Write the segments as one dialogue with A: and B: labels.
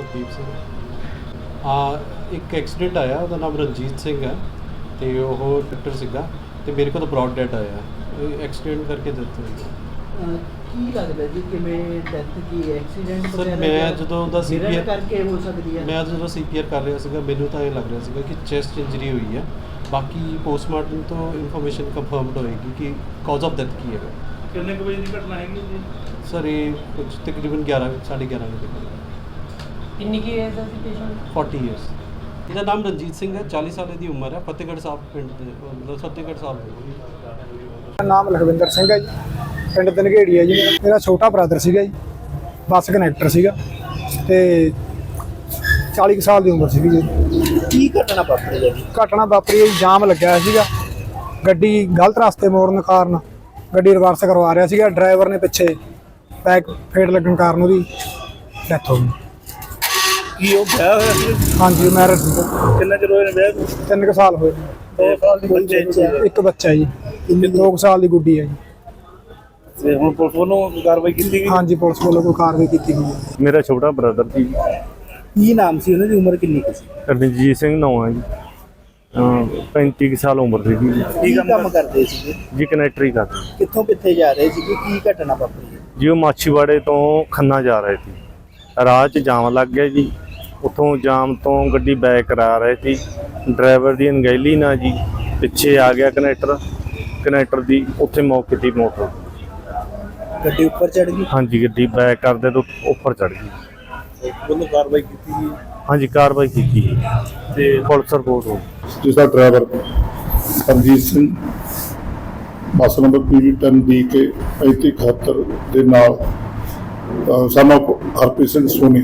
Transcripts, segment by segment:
A: ਜਗਦੀਪ ਸਿੰਘ। ਇੱਕ ਐਕਸੀਡੈਂਟ ਆਇਆ, ਉਹਦਾ ਨਾਮ ਰਣਜੀਤ ਸਿੰਘ ਹੈ ਅਤੇ ਉਹ ਡਾਕਟਰ ਸੀਗਾ ਅਤੇ ਮੇਰੇ ਕੋਲ ਬਰੌਡ ਡੈਡ ਆਇਆ। ਐਕਸੀਡੈਂਟ ਕਰਕੇ ਡੈਥ ਹੋਈ।
B: ਕੀ ਲੱਗਦਾ ਜੀ ਕਿਵੇਂ ਡੈਥ ਕੀ ਐਕਸੀਡੈਂਟ
A: ਸਰ ਮੈਂ ਜਦੋਂ ਉਹਦਾ CPR
B: ਕਰਕੇ ਹੋ ਸਕਦੀ ਹੈ?
A: ਮੈਂ ਜਦੋਂ CPR ਕਰ ਰਿਹਾ ਸੀਗਾ ਮੈਨੂੰ ਤਾਂ ਇਹ ਲੱਗ ਰਿਹਾ ਸੀਗਾ ਕਿ ਚੈਸਟ ਇੰਜਰੀ ਹੋਈ ਹੈ। ਬਾਕੀ ਪੋਸਟਮਾਰਟਮ ਤੋਂ ਇਨਫੋਰਮੇਸ਼ਨ ਕੰਫਰਮਡ ਹੋਏਗੀ ਕਿ ਕਾਜ਼ ਆਫ ਡੈਥ ਕੀ ਹੈਗਾ।
C: ਕਿੰਨੇ ਕੁ ਵਜੇ ਦੀ ਘਟਨਾ ਹੈਗੀ ਜੀ?
A: ਸਰ ਇਹ ਕੁਝ ਤਕਰੀਬਨ 11:30 ਵਜੇ।
B: ਕਿੰਨੀ ਕੀ ਏਜ ਦਾ ਸੀ ਪੇਸ਼ੈਂਟ?
A: 40 ਇਅਰਸ। ਇਹਦਾ ਨਾਮ ਰਣਜੀਤ ਸਿੰਘ ਹੈ, 40 ਸਾਲ ਦੀ ਉਮਰ ਹੈ, ਫਤਿਹਗੜ੍ਹ ਸਾਹਿਬ ਪਿੰਡ ਦੇ, ਮਤਲਬ ਫਤਿਹਗੜ੍ਹ ਸਾਹਿਬ ਦੇ।
D: ਮੇਰਾ ਨਾਮ ਲਖਵਿੰਦਰ ਸਿੰਘ ਹੈ ਜੀ, ਪਿੰਡ ਦਨਗੇੜੀ ਹੈ ਜੀ। ਮੇਰਾ ਛੋਟਾ ਬ੍ਰਦਰ ਸੀਗਾ ਜੀ, ਬੱਸ ਕਨੈਕਟਰ ਸੀਗਾ ਅਤੇ 40 ਸਾਲ ਦੀ ਉਮਰ ਸੀਗੀ ਜੀ।
B: ਕੀ ਘਟਨਾ ਵਾਪਰੀ ਹੈ ਜੀ?
D: ਘਟਨਾ ਵਾਪਰੀ ਜੀ, ਜਾਮ ਲੱਗਿਆ ਹੋਇਆ ਸੀਗਾ, ਗੱਡੀ ਗਲਤ ਰਸਤੇ ਮੋੜਨ ਕਾਰਨ ਗੱਡੀ ਰਿਵਰਸ ਕਰਵਾ ਰਿਹਾ ਸੀਗਾ, ਡਰਾਈਵਰ ਨੇ ਪਿੱਛੇ ਬੈਕ ਫੇਟ ਲੱਗਣ ਕਾਰਨ ਉਹਦੀ ਡੈਥ ਹੋ ਗਈ।
C: ਕੀ ਉਹ ਵਿਆਹ ਹੋਇਆ ਸੀ?
D: ਹਾਂਜੀ ਮੈਰਿਜ ਸੀਗਾ।
C: ਕਿੰਨਾ ਚਿਰ ਹੋਇਆ ਵਿਆਹ ਨੂੰ?
D: 3 ਸਾਲ ਹੋਏ।
C: 2 ਸਾਲ ਦੀ ਬੱਚੇ
D: ਇੱਕ ਬੱਚਾ ਜੀ, 2 ਸਾਲ ਦੀ ਗੁੱਡੀ ਹੈ ਜੀ।
C: ਤੇ ਹੁਣ ਪੁਲਿਸ ਵੱਲੋਂ ਕਾਰਵਾਈ ਕੀਤੀ ਗਈ?
D: ਹਾਂਜੀ ਪੁਲਿਸ ਵੱਲੋਂ ਕੋਈ ਕਾਰਵਾਈ ਕੀਤੀ ਗਈ ਹੈ।
E: ਮੇਰਾ ਛੋਟਾ ਬ੍ਰਦਰ ਜੀ।
B: ਕੀ ਨਾਮ ਸੀ ਉਹਨਾਂ ਦੀ? ਉਮਰ ਕਿੰਨੀ ਕੁ ਸੀ?
E: ਰਣਜੀਤ ਸਿੰਘ ਨਾਮ ਹੈ ਜੀ। 35 ਸਾਲ ਉਮਰ ਸੀ ਜੀ।
B: ਕੀ ਕੰਮ ਕਰਦੇ ਸੀਗੇ
E: ਜੀ? ਕਨੈਕਟਰੀ ਕਰਦੇ।
B: ਕਿੱਥੋਂ ਕਿੱਥੇ ਜਾ ਰਹੇ ਸੀਗੇ? ਕੀ ਘਟਨਾ ਵਾਪਰੀ ਹੈ?
E: ਜੀ ਉਹ ਮਾਛੀਵਾੜੇ ਤੋਂ ਖੰਨਾ ਜਾ ਰਹੇ ਸੀ, ਰਾਹ 'ਚ ਜਾਮ ਲੱਗ ਗਿਆ ਜੀ। ਉੱਥੋਂ ਜਾਮ ਤੋਂ ਗੱਡੀ ਬੈਕ ਕਰਾ ਰਹੇ ਸੀ, ਡਰਾਈਵਰ ਦੀ ਅਣਗਹਿਲੀ ਨਾਲ ਜੀ ਪਿੱਛੇ ਆ ਗਿਆ ਕਨੈਕਟਰ ਦੀ ਉੱਥੇ ਮੌਕੇ ਦੀ ਮੋਟਰ
B: ਗੱਡੀ ਉੱਪਰ ਚੜ੍ਹ ਗਈ?
E: ਹਾਂਜੀ ਗੱਡੀ ਬੈਕ ਕਰਦੇ ਤੋਂ ਉੱਪਰ ਚੜ੍ਹ ਗਈ।
C: ਵੱਲੋਂ ਕਾਰਵਾਈ ਕੀਤੀ ਗਈ?
E: ਹਾਂਜੀ ਕਾਰਵਾਈ ਕੀਤੀ ਜੀ
C: ਤੇ
E: ਪੁਲਿਸ ਰਿਪੋਰਟ ਹੋ ਗਈ।
F: ਜਿਸਦਾ driver Ranjit Singh bus number PV10DK 3571 ਦੇ ਨਾਲ ਸਾਨੂੰ ਹਰਪ੍ਰੀਤ ਸਿੰਘ ਸੋਨੀ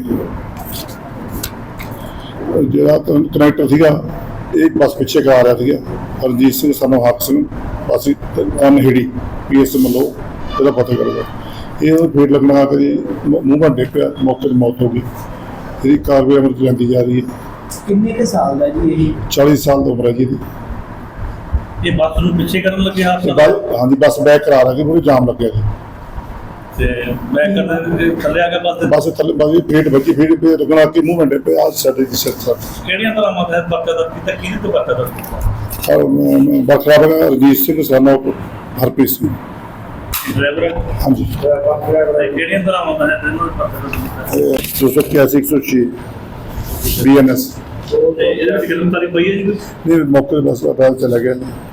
F: ਜਿਹੜਾ ਕਨੈਕਟਰ ਸੀਗਾ, ਇਹ ਬੱਸ ਪਿੱਛੇ ਕਰਾ ਰਿਹਾ ਸੀਗਾ। ਰਣਜੀਤ ਸਿੰਘ ਸਾਨੂੰ ਹੱਕ ਸਿੰਘ ਬੱਸ ਅਨਹੇੜੀ PS ਮੱਲੋ ਇਹਦਾ ਪਤਾ ਕਰਦਾ, ਇਹ ਉਹ ਫੇਟ ਲੱਗਣਾ ਕਰੀ ਮੂੰਹ ਘੰਟੇ ਪਿਆ, ਮੌਕੇ 'ਤੇ ਮੌਤ ਹੋ ਗਈ। ਇਹਦੀ ਕਾਰਵਾਈ ਅਮਲ 'ਚ ਜਾਂਦੀ ਜਾ ਰਹੀ ਹੈ।
B: ਕਿੰਨੇ ਕੁ ਸਾਲ ਦਾ ਜੀ ਇਹ?
F: 40 ਸਾਲ ਦੀ ਉਮਰ ਹੈ ਜੀ ਇਹਦੀ।
C: ਇਹ ਬੱਸ ਨੂੰ ਪਿੱਛੇ ਕਰਨ ਲੱਗੇ ਹਾਦਸਾ?
F: ਹਾਂਜੀ ਬੱਸ ਬੈਕ ਕਰਾ ਰਹੀ ਸੀ, ਪੂਰੀ ਜਾਮ ਲੱਗਿਆ ਸੀ
C: ਤੇ ਬੈਕ ਕਰਨ ਦੇ ਥੱਲੇ ਆ ਕੇ
F: ਬੱਸ ਥੱਲੇ ਬੱਸ ਫੇਟ ਵੱਜੀ, ਫੇਟ ਪੇ ਲੱਗਣਾ ਕਿ ਮੂੰਹ ਘੰਟੇ ਪਿਆ ਸਾਡੇ ਦੀ ਸਿਰ ਸਰ।
C: ਕਿਹੜੀਆਂ ਤਰ੍ਹਾਂ ਮਤ ਹੈ ਪਰਚਾ ਦਾ ਕੀਤਾ? ਕਿਹਦੇ ਤੋਂ ਪਰਚਾ ਦਾ?
F: ਬਖਰਾ ਬਗਾ ਰਣਜੀਤ ਸਿੰਘ ਸਾਨੂੰ ਹਰਪ੍ਰੀਤ ਸਿੰਘ
C: ਡਰਾਈਵਰ?
F: ਹਾਂਜੀ।
C: ਕਿਹੜੀਆਂ ਤਰ੍ਹਾਂ ਮਤ ਹੈ ਤੈਨੂੰ ਪਰਚਾ ਦਾ?
F: 281 106 BNS।
C: ਤੇ ਇਹਦੇ ਵਿੱਚ ਗ੍ਰਿਫਤਾਰੀ ਪਈ ਹੈ ਜੀ?
F: ਨਹੀਂ ਮੌਕੇ ਤੇ ਬਸ ਪਤਾ ਚਲਾ ਗਿਆ।